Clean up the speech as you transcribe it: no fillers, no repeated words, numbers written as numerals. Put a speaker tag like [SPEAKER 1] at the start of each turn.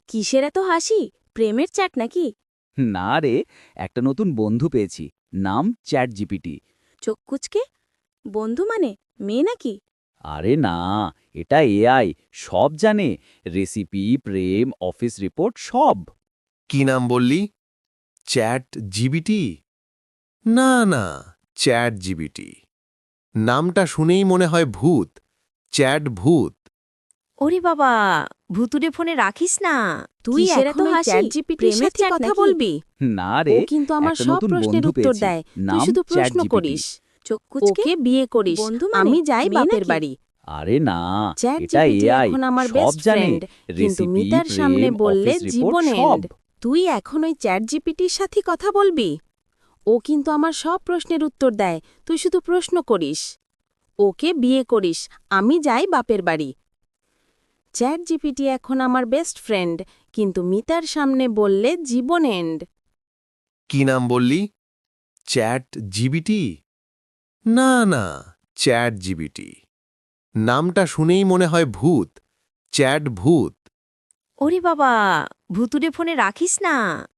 [SPEAKER 1] কিসের এত হাসি? প্রেমের চ্যাট নাকি?
[SPEAKER 2] না রে, একটা নতুন বন্ধু পেয়েছি। নাম চ্যাট জিপিটি।
[SPEAKER 1] চোখ কুচকে? বন্ধু মানে মেয়ে নাকি?
[SPEAKER 2] আরে না, এটা এআই। সব জানে। রেসিপি, প্রেম, অফিস রিপোর্ট সব।
[SPEAKER 3] কি নাম বললি? Chat GPT? না না, চ্যাট জিবিটি নামটা শুনেই মনে হয় ভূত। চ্যাট ভূত।
[SPEAKER 4] ওরে বাবা, ভুতুরে ফোনে রাখিস না। তুই
[SPEAKER 1] কিসের এত
[SPEAKER 4] এখন ওই
[SPEAKER 1] হাসি?
[SPEAKER 4] ChatGPT-র
[SPEAKER 1] প্রেমের
[SPEAKER 4] সাথে
[SPEAKER 1] chat
[SPEAKER 4] কথা
[SPEAKER 1] নাকি?
[SPEAKER 4] বলবি?
[SPEAKER 2] না
[SPEAKER 1] ও
[SPEAKER 2] রে,
[SPEAKER 1] কিন্তু আমার
[SPEAKER 2] একটা
[SPEAKER 1] সব
[SPEAKER 2] নতুন
[SPEAKER 1] প্রশ্নের
[SPEAKER 2] বন্ধু
[SPEAKER 1] উত্তর
[SPEAKER 2] পেয়েছি।
[SPEAKER 1] দেয়। তুই
[SPEAKER 2] নাম
[SPEAKER 1] শুধু প্রশ্ন
[SPEAKER 2] ChatGPT।
[SPEAKER 1] করিস। চোখ কুচকে?
[SPEAKER 4] ওকে বিয়ে করিস,
[SPEAKER 1] বন্ধু মানে
[SPEAKER 4] আমি যাই
[SPEAKER 1] মেয়ে
[SPEAKER 4] বাপের
[SPEAKER 1] নাকি?
[SPEAKER 4] বাড়ি।
[SPEAKER 2] আরে না,
[SPEAKER 1] চ্যাট
[SPEAKER 2] এটা
[SPEAKER 1] জিপিটি
[SPEAKER 2] এআই।
[SPEAKER 1] এখন আমার
[SPEAKER 2] সব
[SPEAKER 1] বেস্ট
[SPEAKER 2] জানে।
[SPEAKER 1] ফ্রেন্ড, কিন্তু
[SPEAKER 2] রেসিপি,
[SPEAKER 1] মিতার সামনে
[SPEAKER 2] প্রেম,
[SPEAKER 1] বললে
[SPEAKER 2] অফিস রিপোর্ট
[SPEAKER 1] জীবন
[SPEAKER 2] সব।
[SPEAKER 1] এন্ড। তুই এখন ওই চ্যাট জিপিটির সাথে কথা বলবি? ও কিন্তু আমার সব প্রশ্নের উত্তর দেয়। তুই শুধু প্রশ্ন করিস। ওকে বিয়ে করিস, আমি যাই বাপের বাড়ি। চ্যাট জিপিটি এখন আমার বেস্ট ফ্রেন্ড, কিন্তু মিতার সামনে বললে জীবন এন্ড।
[SPEAKER 3] কি নাম বললি? Chat GPT? না না, চ্যাট জিবিটি নামটা শুনেই মনে হয় ভূত। চ্যাট ভূত।
[SPEAKER 4] ওরে বাবা, ভুতুরে ফোনে রাখিস না।